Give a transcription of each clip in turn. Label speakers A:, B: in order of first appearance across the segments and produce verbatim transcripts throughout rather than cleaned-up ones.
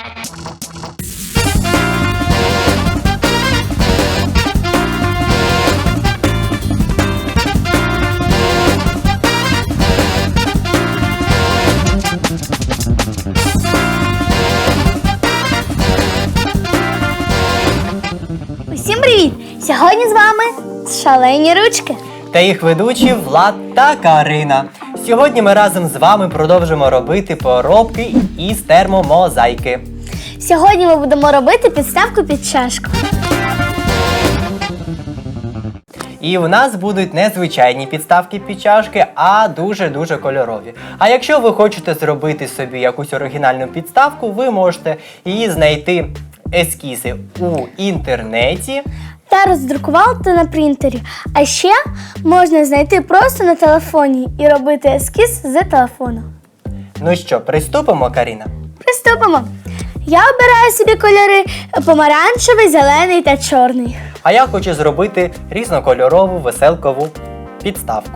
A: Усім привіт! Сьогодні з вами Шалені Ручки.
B: Та їх ведучі Влад та Карина. Сьогодні ми разом з вами продовжимо робити поробки із термомозаїки.
A: Сьогодні ми будемо робити підставку під чашку.
B: І у нас будуть не звичайні підставки під чашки, а дуже-дуже кольорові. А якщо ви хочете зробити собі якусь оригінальну підставку, ви можете її знайти ескізи у інтернеті
A: Та роздрукувати на принтері. А ще можна знайти просто на телефоні і робити ескіз з телефону.
B: Ну що, приступимо, Каріна?
A: Приступимо. Я обираю собі кольори помаранчевий, зелений та чорний.
B: А я хочу зробити різнокольорову веселкову підставку.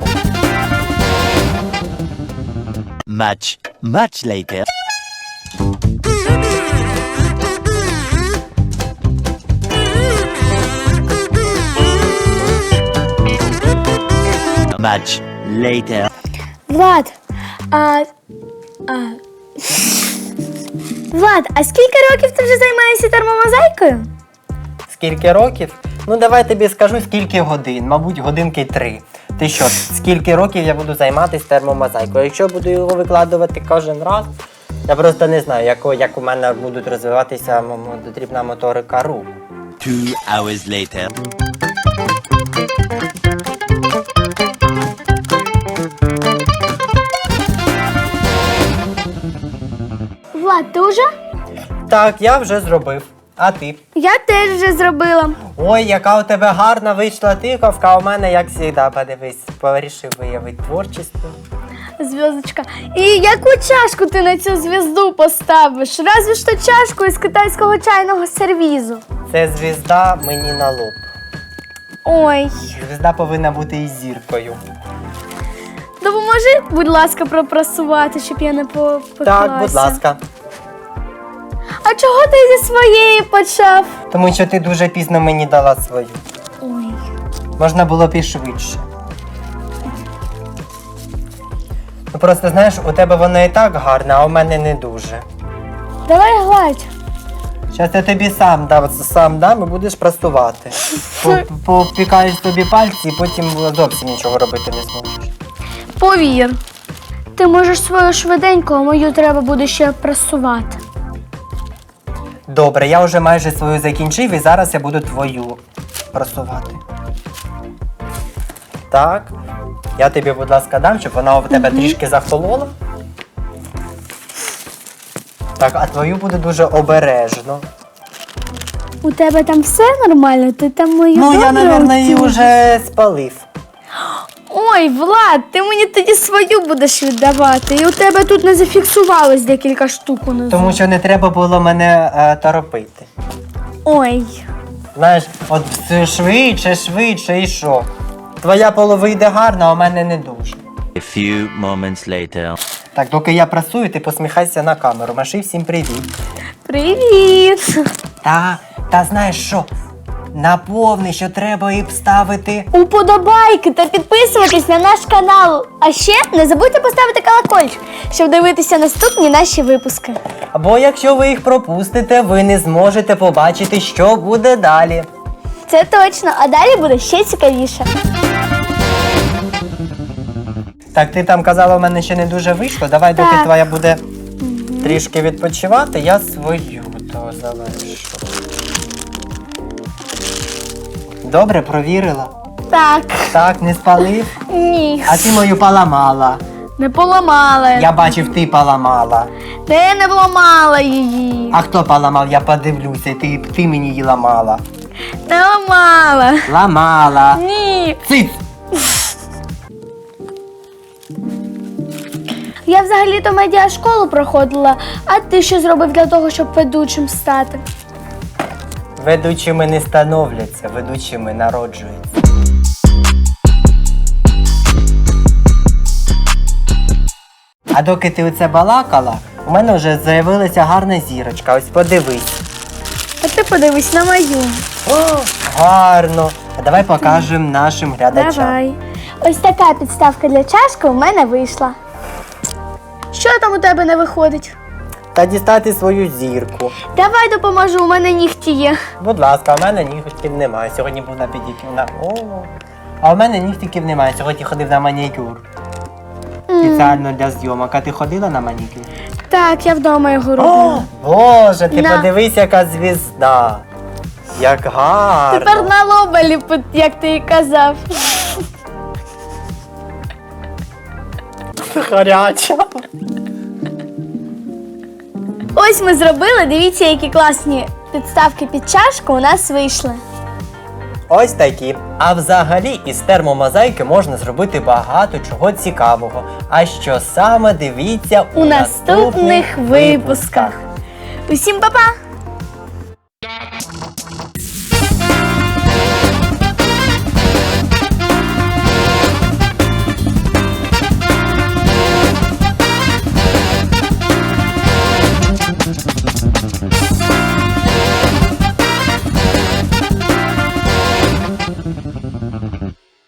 C: Much, much later. Much later.
A: Влад, а... а... Влад, а скільки років ти вже займаєшся термомозаїкою?
B: Скільки років? Ну давай тобі скажу, скільки годин. Мабуть, годинки три. Ти що, скільки років я буду займатися термомозаїкою? Якщо буду його викладувати кожен раз, я просто не знаю, як, як у мене будуть розвиватися дрібна моторика рук.
C: Two hours later.
A: Влад, ти вже?
B: Так, я вже зробив. А ти?
A: Я теж вже зробила.
B: Ой, яка у тебе гарна вийшла тиковка, а у мене, як завжди, подивись, порішив виявити творчість.
A: Зв'язочка. І яку чашку ти на цю зв'язду поставиш? Разве ж то чашку із китайського чайного сервізу.
B: Це звізда мені на лоб.
A: Ой.
B: Звізда повинна бути із зіркою.
A: Допоможи, будь ласка, пропрасувати, щоб я не попеклася.
B: Так, будь ласка.
A: А чого ти зі своєї почав?
B: Тому що ти дуже пізно мені дала свою.
A: Ой.
B: Можна було б і швидше. Ну просто, знаєш, у тебе воно і так гарне, а у мене не дуже.
A: Давай гладь.
B: Зараз я тобі сам дам, сам дам і будеш прасувати. По- Попікаєш тобі пальці і потім зовсім нічого робити не зможеш.
A: Повір. Ти можеш свою швиденько, а мою треба буде ще прасувати.
B: Добре, я вже майже свою закінчив і зараз я буду твою прасувати. Так. Я тобі, будь ласка, дам, щоб вона у тебе трішки захолола. Так, а твою буде дуже обережно.
A: У тебе там все нормально? Ти там мою
B: Ну, я,
A: добре
B: мабуть, її
A: оціниш?
B: вже спалив.
A: Ой, Влад, ти мені тоді свою будеш віддавати. І у тебе тут не зафіксувалось декілька штук унизу.
B: Тому що не треба було мене е, торопити.
A: Ой.
B: Знаєш, от все швидше, швидше і що? Твоя полова йде гарно, а у мене не дуже.
C: A few moments later.
B: Так, доки я прасую, ти посміхайся на камеру. Маши всім привіт.
A: Привіт.
B: Та, та знаєш що? Наповни, що треба і вставити.
A: Уподобайки та підписуватись на наш канал. А ще не забудьте поставити колокольчик, щоб дивитися наступні наші випуски.
B: Або якщо ви їх пропустите, ви не зможете побачити, що буде далі.
A: Це точно, а далі буде ще цікавіше.
B: Так, ти там казала, у мене ще не дуже вийшло. Давай, доки
A: Так.
B: твоя буде трішки відпочивати, я свою то завершу. Добре, провірила?
A: Так.
B: Так, не спалив?
A: Ні.
B: А ти мою поламала.
A: Не поламала.
B: Я бачив, ти поламала.
A: Не, не поламала її.
B: А хто поламав, я подивлюся, ти, ти мені її ламала.
A: Не ламала.
B: Ламала.
A: Ні.
B: Циц!
A: Я взагалі-то медіашколу проходила, а ти що зробив для того, щоб ведучим стати?
B: Ведучими не становляться, ведучими народжуються. А доки ти оце балакала, У мене вже з'явилася гарна зірочка. Ось подивись.
A: А ти подивись на мою.
B: О, гарно. А давай покажемо нашим глядачам.
A: Давай. Ось така підставка для чашки у мене вийшла. Що там у тебе не виходить?
B: Та дістати свою зірку.
A: Давай допоможу, у мене нігті є.
B: Будь ласка, у мене нігтів немає. Сьогодні був на педикюр. На... О, а у мене нігтиків немає. Сьогодні ходив на манікюр. Спеціально для зйомок. А ти ходила на манікюр?
A: Так, я вдома його
B: О,
A: роблю.
B: Боже, ти
A: На.
B: подивись, яка звізда. Як гарно.
A: Тепер на лоба ліпить, як ти і казав.
B: Гаряча.
A: Ось ми зробили, дивіться, які класні підставки під чашку у нас вийшли.
B: Ось такі. А взагалі із термомозаїки можна зробити багато чого цікавого. А що саме, дивіться у,
A: У наступних випусках. Усім па-па!